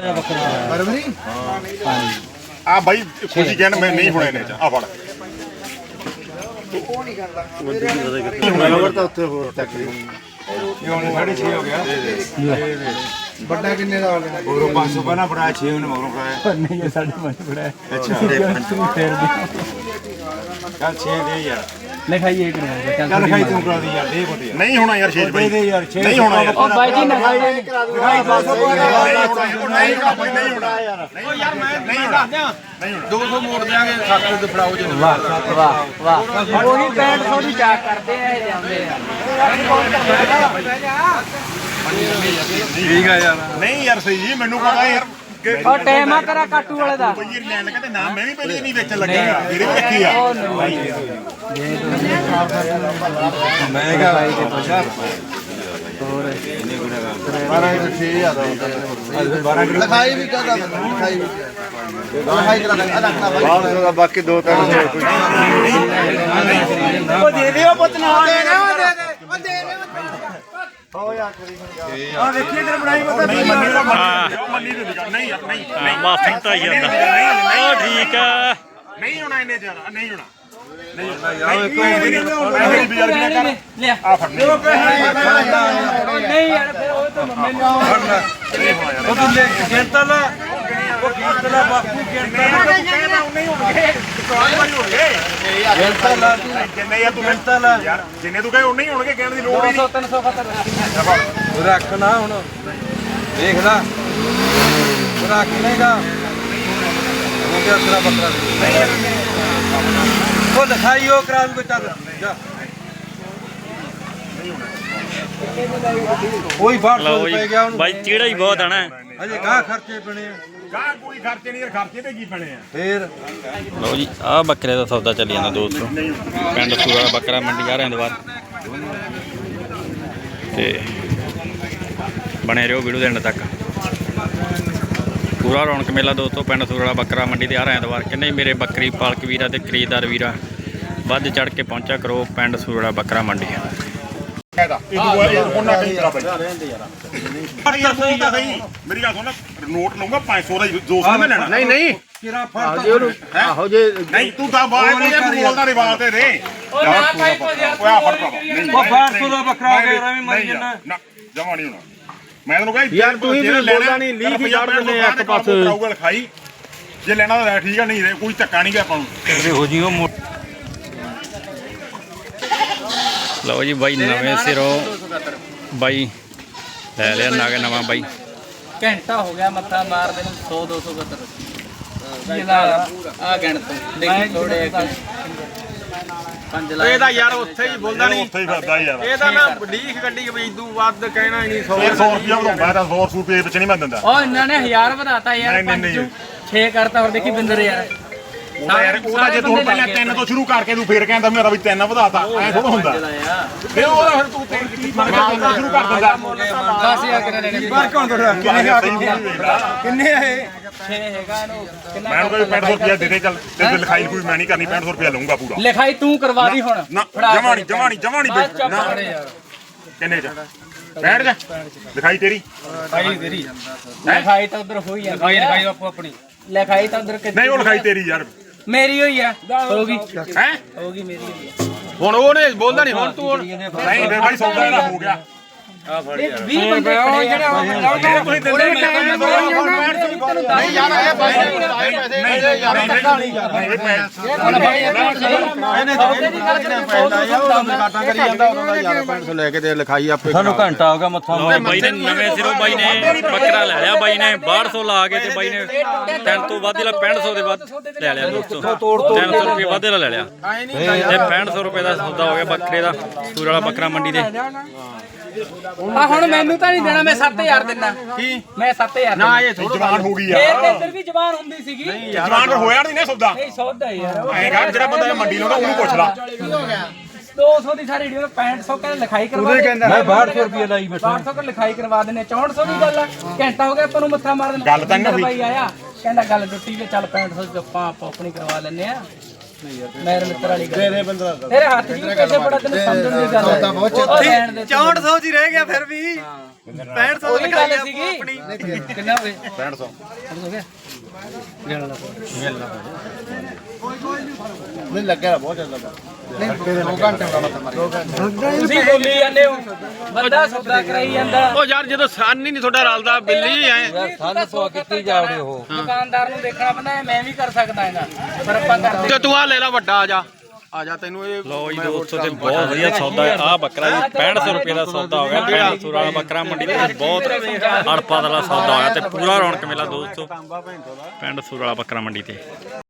ਆ ਬਾਈ ਖੁਸ਼ੀ ਕਹਿਣ ਮੈਂ ਨਹੀਂ ਹੋਣਾ ਇਹਨੇ ਚ ਆ ਫੜ ਤਾਂ ਉੱਥੇ ਹੋਰ ਤਕਰੀਬਨ ਇਹ ਹੁਣ 6.5 ਹੋ ਗਿਆ ਵੱਡਾ ਕਿੰਨੇ ਦਾ ਹੋ ਗਿਆ ਮਗਰੋਂ 500 ਪਹਿਲਾਂ ਫੜਾਇਆ 6 ਉਹਨੇ ਮਗਰੋਂ ਫੜਾਇਆ ਨਹੀਂ ਇਹ ਸਾਡੇ ਮਨ ਫੜਾਇਆ ਅੱਛਾ ਫੇਰ ਦੀ ਚੱਲ 6 ਦੇ ਯਾਰ ਲਿਖਾਈਏ ਕਰਿਆ ਚੱਲ ਖਾਈ ਤੂੰ ਕਰਾ ਦੀ ਯਾਰ ਦੇ ਬੋਤੇ ਨਹੀਂ ਹੋਣਾ ਯਾਰ ਸ਼ੇਜ ਬਾਈ ਦੇ ਯਾਰ 6 ਨਹੀਂ ਹੋਣਾ ਯਾਰ ਉਹ ਬਾਈ ਜੀ ਨਾ ਖਾਈ 200 ਨਹੀਂ ਹੋਣਾ ਯਾਰ ਨਹੀਂ ਹੋਣਾ 200 ਮੋੜ ਦੇਾਂਗੇ 700 ਦੇ ਫੜਾਓ ਜੀ ਵਾਹ ਵਾਹ ਵਾਹ ਉਹੀ 6500 ਦੀ ਚਾਕ ਕਰਦੇ ਆ ਇਹ ਜਾਂਦੇ ਆ ਠੀਕ ਆ ਯਾਰ ਨਹੀਂ ਯਾਰ ਸਹੀ ਜੀ ਮੈਨੂੰ ਪਤਾ ਯਾਰ ਉਹ ਟਾਈਮ ਆ ਤੇਰਾ ਕਾਟੂ ਵਾਲੇ ਦਾ ਬਈ ਇਹ ਲੈਣ ਕਹਿੰਦੇ ਨਾ ਮੈਂ ਵੀ ਪਹਿਲੇ ਨਹੀਂ ਵੇਚਣ ਲੱਗਿਆ ਵੀਰੇ ਵੀ ਰੱਖੀ ਆ ਮੈਂ ਕਿਹਾ ਭਾਈ ਤੇ ਪੁੱਛਾ ਹੋਰ 12 ਕਿਲੋ ਲਿਖਾਈ ਵੀ ਕਰਦਾ ਲਿਖਾਈ ਵੀ ਲਿਖਾਈ ਕਰਾ ਦੇ ਰੱਖਣਾ ਬਾਈ ਬਾਕੀ 2-300 ਉਹ ਦੇ ਦਿਓ ਪੁੱਤ ਨਾ ਦੇ ਦੇ ਹੋ ਯਾਰ ਕਰੀ ਆ ਵੇਖੀ ਇਧਰ ਬਣਾਈ ਪਤਾ ਮੰਨੀ ਨਹੀਂ ਨਹੀਂ ਯਾਰ ਨਹੀਂ ਮਾਫੀ ਤਾਂ ਜਾਂਦਾ ਉਹ ਠੀਕ ਆ ਨਹੀਂ ਹੋਣਾ ਇਹਨੇ ਚ ਨਹੀਂ ਹੋਣਾ ਲਿਆ ਆ ਫੜ ਨਹੀਂ ਯਾਰ ਫਿਰ ਉਹ ਤਾਂ ਮੈਨੂੰ ਉਹ ਤੂੰ ਲੈ ਗਿਣਤਾ ਲਾ ਉਹ ਗਿਣਤਾ ਲਾ ਬਾਪੂ ਗਿਣਤਾ ਲਾ ਗਿਣਤਾ ਲਾ ਜਿੰਨੇ ਯਾਰ ਤੂੰ ਗਿਣਤਾ ਲਾ ਯਾਰ ਜਿੰਨੇ ਤੂੰ ਕਹੇ ਉਹ ਨਹੀਂ ਹੋਣਗੇ ਕਹਿਣ ਦੀ ਲੋੜ ਹੀ 200 300 ਖਤਰ ਉਹ ਰੱਖ ਨਾ ਹੁਣ ਦੇਖ ਲੈ ਉਹ ਰੱਖ ਲੇਗਾ ਹੋ ਗਿਆ ਤੇਰਾ ਬੱਕਰਾ ਉਹ ਲਿਖਾਈ ਉਹ ਕਰਾ ਦੂਗਾ ਚੱਲ ਜਾ ਕੋਈ ਬਾਹਰ ਲਓ ਪੈ ਗਿਆ ਉਹਨੂੰ ਬਾਈ ਚੀੜਾ ਹੀ ਬਹੁਤ ਆਣਾ ਅਜੇ ਗਾਹ ਖਰਚੇ ਪਣੇ ਆ ਗਾਹ ਕੋਈ ਖਰਚੇ ਨਹੀਂ ਯਾਰ ਖਰਚੇ ਤੇ ਕੀ ਪੈਣੇ ਆ ਫੇਰ ਲਓ ਜੀ ਆਹ ਬੱਕਰੇ ਦਾ ਸੌਦਾ ਚੱਲੀ ਜਾਂਦਾ ਦੋਸਤੋ ਪਿੰਡ ਸੂਰਾ ਬੱਕਰਾ ਮੰਡੀ ਆ ਰਹੇ ਤੋਂ ਬਾਅਦ ਤੇ ਬਣੇ ਰਹੋ ਵੀਡੀਓ ਦੇ ਐਂਡ ਤੱਕ ਪੂਰਾ ਰੌਣਕ ਮੇਲਾ ਦੋਸਤੋ ਪਿੰਡ ਸੂਰਾ ਬੱਕਰਾ ਮੰਡੀ ਤੇ ਆ ਰਹੇ ਤੋਂ ਬਾਅਦ ਕਿੰਨੇ ਮੇਰੇ ਬੱਕਰੀ ਪਾਲਕ ਵੀਰਾਂ ਤੇ ਖਰੀਦਦਾਰ ਵੀਰਾਂ ਵੱਧ ਚੜ ਕੇ ਪਹੁੰਚਿਆ ਕਰੋ ਪਿੰਡ ਸੂਰਾ ਬੱਕਰਾ ਮੰਡੀ ਇਹਦਾ ਇਹ ਉਹਨਾਂ ਕਹੀਂ ਤੇਰਾ ਬਾਈ ਯਾਰ ਸਹੀ ਤਾਂ ਸਹੀ ਮੇਰੀ ਗੱਲ ਸੁਣ ਨੋਟ ਲਊਂਗਾ 500 ਦਾ 200 ਮੈਂ ਲੈਣਾ ਨਹੀਂ ਨਹੀਂ ਤੇਰਾ ਫੜ ਆਹੋ ਜੇ ਨਹੀਂ ਤੂੰ ਤਾਂ ਬਾਹਰ ਕੋਈ ਬੋਲਦਾ ਰਿਵਾਲ ਤੇ ਰੇ ਉਹ ਨਾ ਕਾਈ ਕੋ ਯਾਰ ਓਏ ਆ ਫੜ ਭਰਾਵਾ ਨਹੀਂ ਉਹ 1200 ਦਾ ਬੱਕਰਾ ਆ ਗਿਆ ਐਵੇਂ ਮਰ ਜੰਨਾ ਨਾ ਜਮਾ ਨਹੀਂ ਹੋਣਾ ਮੈਂ ਤੈਨੂੰ ਕਹਿੰਦਾ ਯਾਰ ਤੂੰ ਹੀ ਬੋਲਦਾ ਨਹੀਂ, ਲੀਹ ਹੀ ਕੱਢ ਦਿੰਦੇ ਆ ਇੱਕ ਪਾਸੇ। ਖਾਈ ਜੇ ਲੈਣਾ ਤਾਂ ਠੀਕ ਆ ਨਹੀਂ ਰੇ ਕੋਈ ਧੱਕਾ ਨਹੀਂ ਗਿਆ ਆਪਾਂ ਨੂੰ ਹੋ ਜੀ ਉਹ ਲਓ ਜੀ ਬਾਈ ਨਵੇਂ ਸਿਰੋਂ ਬਾਈ ਲੈ ਲਿਆ ਨਾਗ ਨਵਾਂ ਬਾਈ ਘੰਟਾ ਹੋ ਗਿਆ ਮੱਥਾ ਮਾਰਦੇ ਨੂੰ 100 200 ਖਤਰ ਆ ਗਣ ਤੋਂ ਦੇਖੀ ਥੋੜੇ 5 ਲੱਖ ਇਹਦਾ ਯਾਰ ਉੱਥੇ ਹੀ ਬੋਲਦਾ ਨਹੀਂ ਉੱਥੇ ਹੀ ਫਿਰਦਾ ਯਾਰ ਇਹਦਾ ਨਾ ਲੀਕ ਗੱਡੀ ਵੀ ਇਦੋਂ ਵੱਧ ਕਹਿਣਾ ਹੀ ਨਹੀਂ 100 100 ਰੁਪਿਆ ਵਧਾਉਂਦਾ ਤਾਂ 100 ਰੁਪਏ ਵਿੱਚ ਨਹੀਂ ਮੈਂ ਦਿੰਦਾ ਉਹ ਇਹਨਾਂ ਨੇ 1000 ਵਧਾਤਾ ਯਾਰ ਨਹੀਂ। 6 ਕਰਤਾ ਹੋਰ ਦੇਖੀ ਬਿੰਦਰ ਯਾਰ ਉਹਦਾ ਯਾਰ ਉਹਦਾ ਜੇ ਤੂੰ ਪਹਿਲਾਂ 3 ਤੋਂ ਸ਼ੁਰੂ ਕਰਕੇ ਤੂੰ ਫੇਰ ਕਹਿੰਦਾ ਮੇਰਾ ਵੀ 3 ਵਧਾਤਾ ਐ ਥੋੜਾ ਹੁੰਦਾ ਫੇਰ ਉਹਦਾ ਫਿਰ ਤੂੰ 3 ਸ਼ੁਰੂ ਕਰ ਦਿੰਦਾ 10000 ਕਿੰਨੇ ਲੈਣੇ ਬਾਹਰ ਕੌਣ ਤੁਹਾਡਾ ਕਿੰਨੇ ਆ ਇਹ 6 ਹੈਗਾ ਇਹਨੂੰ ਕਿੰਨਾ ਮੈਂ ਕੋਈ 6500 ਰੁਪਿਆ ਦੇ ਦੇ ਚੱਲ ਤੇ ਲਿਖਾਈ ਕੋਈ ਮੈਂ ਨਹੀਂ ਕਰਨੀ 6500 ਰੁਪਿਆ ਲਊਂਗਾ ਪੂਰਾ ਲਿਖਾਈ ਤੂੰ ਕਰਵਾ ਦੀ ਹੁਣ ਨਾ ਜਮਾਣੀ ਨਾ ਯਾਰ ਕਿੰਨੇ ਚ ਬੈਠ ਜਾ ਲਿਖਾਈ ਤੇਰੀ ਭਾਈ ਤੇਰੀ ਲਿਖਾਈ ਤਾਂ ਉਧਰ ਹੋਈ ਆ ਲਿਖਾਈ ਆਪੋ ਆਪਣੀ ਲਿਖਾਈ ਤਾਂ ਉਧਰ ਨਹੀਂ ਉਹ ਲਿਖਾਈ ਤੇਰੀ ਯਾਰ ਮੇਰੀ ਹੋਈ ਆ ਹੋ ਗਈ ਹੈ ਹੋ ਗਈ ਮੇਰੀ ਹੋਈ ਆ ਹੁਣ ਉਹਨੇ ਬੋਲਦਾ ਨਹੀਂ ਹੁਣ ਤੂੰ ਨਹੀਂ ਫੇਰ ਭਾਈ ਸੌਦਾ ਇਹਦਾ ਹੋ ਗਿਆ 20 ਬੰਦੇ ਖੜੇ ਆ ਤੁਸੀਂ ਦਿੰਦੇ ਨਹੀਂ ਯਾਰ ਇਹ ਪੈਸੇ ਨਹੀਂ ਯਾਰ ਇਹ ਕਾਟਾ ਕਰੀ ਜਾਂਦਾ ਉਹਨਾਂ ਦਾ ਯਾਰ 500 ਲੈ ਕੇ ਤੇ ਲਿਖਾਈ ਆਪੇ ਸਾਨੂੰ ਘੰਟਾ ਹੋ ਗਿਆ ਮੱਥਾ ਲਓ ਬਾਈ ਨੇ ਨਵੇਂ ਸਿਰੋਂ ਬਾਈ ਨੇ ਬੱਕਰਾ ਲੈ ਲਿਆ ਬਾਈ ਨੇ 1200 ਲਾ ਕੇ ਤੇ ਬਾਈ ਨੇ 3 ਤੋਂ ਵੱਧ ਲਾ 6500 ਦੇ ਵੱਧ ਲੈ ਲਿਆ ਦੋਸਤੋ 300 ਰੁਪਏ ਵੱਧ ਲੈ ਲਿਆ ਤੇ 6500 ਰੁਪਏ ਦਾ ਸੌਦਾ ਹੋ ਗਿਆ ਬੱਕਰੇ ਦਾ ਸੂਰ ਵਾਲਾ ਬੱਕਰਾ ਮੰਡੀ ਦੇ ਆ ਹੁਣ ਮੈਨੂੰ ਤਾਂ ਨਹੀਂ ਦੇਣਾ ਮੈਂ 7000 ਦਿੰਦਾ ਕੀ ਮੈਂ 7000 ਨਾ ਇਹ ਜਵਾਨ ਹੋ ਗਈ ਫੇਰ ਯਾਰ ਤੇ ਇੱਧਰ ਵੀ ਜ਼ਬਾਨ ਹੁੰਦੀ ਸੀਗੀ ਜਵਾਨ ਹੋਇਆ ਨਹੀਂ ਨਾ ਸੌਦਾ ਨਹੀਂ ਸੌਦਾ ਯਾਰ ਐਂ ਜਿਹੜਾ ਬੰਦਾ ਮੰਡੀ ਲਾਉਂਦਾ ਉਹਨੂੰ ਪੁੱਛ ਲਾ 200 ਦੀ ਸਾਰੀ ਵੀਡੀਓ 6500 ਕਹਿੰਦੇ ਲਿਖਾਈ ਕਰਵਾ ਦੇ ਮੈਂ 1200 ਰੁਪਏ ਲਾਈ ਬੈਠਾ 1200 ਕਰ ਲਿਖਾਈ ਕਰਵਾ ਦਿੰਨੇ 6400 ਦੀ ਗੱਲ ਆ ਘੰਟਾ ਹੋ ਗਿਆ ਆਪਾਂ ਨੂੰ ਮੱਥਾ ਮਾਰਨ ਗੱਲ ਤਾਂ ਨਹੀਂ ਹੋਈ। ਭਾਈ ਆਇਆ ਕਹਿੰਦਾ ਗੱਲ ਟੁੱਟੀ ਤੇ ਚੱਲ 6500 ਚ ਆਪਾਂ ਆਪਣੀ ਕਰਵਾ ਲੈਨੇ ਆ ਮੇਰੇ ਮਿੱਤਰ ਵਾਲੀ ਗੱਲ ਦੇ ਬੰਦਾ ਤੇਰੇ ਹੱਥ 'ਚ ਪੈਸੇ ਬੜਾ ਤੈਨੂੰ ਸਮਝਣ ਦੀ ਗੱਲ ਹੈ 6400 ਚ ਹੀ ਰਹਿ ਗਿਆ ਫਿਰ ਵੀ 6500 ਦੀ ਗੱਲ ਸੀਗੀ ਕਿੰਨਾ ਹੋ ਗਿਆ 6500 ਹੋ ਗਿਆ ਨਹੀਂ ਲੱਗਿਆ ਬਹੁਤ ਜ਼ਿਆਦਾ ਨਹੀਂ 2 ਘੰਟੇ ਦਾ ਮਤਲਬ ਤੁਸੀਂ ਬੋਲੀ ਜਾਂਦੇ ਹੋ ਬੰਦਾ ਸੌਦਾ ਕਰਾਈ ਜਾਂਦਾ ਉਹ ਯਾਰ ਜਦੋਂ ਸੰਨ ਹੀ ਨਹੀਂ ਤੁਹਾਡਾ ਰਲਦਾ ਬਿੱਲੀ ਐ ਯਾਰ ਸਾਨੂੰ ਸੌ ਕੀਤੀ ਜਾਵੜੇ ਉਹ ਦੁਕਾਨਦਾਰ ਨੂੰ ਦੇਖਣਾ ਪੈਂਦਾ ਮੈਂ ਵੀ ਕਰ ਸਕਦਾ ਇਹਦਾ ਪਰ ਆਪਾਂ ਕਰਦੇ ਤੇ ਤੂੰ ਆ ਲੈ ਲੈ ਵੱਡਾ ਆ ਜਾ ਤੈਨੂੰ ਇਹ ਲੋ ਜੀ ਦੋਸਤੋ ਤੇ ਬਹੁਤ ਵਧੀਆ ਸੌਦਾ ਹੈ ਆ ਬੱਕਰਾ ਜੀ 6500 ਰੁਪਏ ਦਾ ਸੌਦਾ ਹੋ ਗਿਆ ਪਿੰਡ ਸੂਰਾ ਵਾਲਾ ਬੱਕਰਾ ਮੰਡੀ ਤੇ ਬਹੁਤ ਅੜਪਾ ਦਾ ਸੌਦਾ ਹੋਇਆ ਤੇ ਪੂਰਾ ਰੌਣਕ ਮੇਲਾ ਦੋਸਤੋ ਪਿੰਡ ਸੂਰਾ ਵਾਲਾ ਬੱਕਰਾ ਮੰਡੀ ਤੇ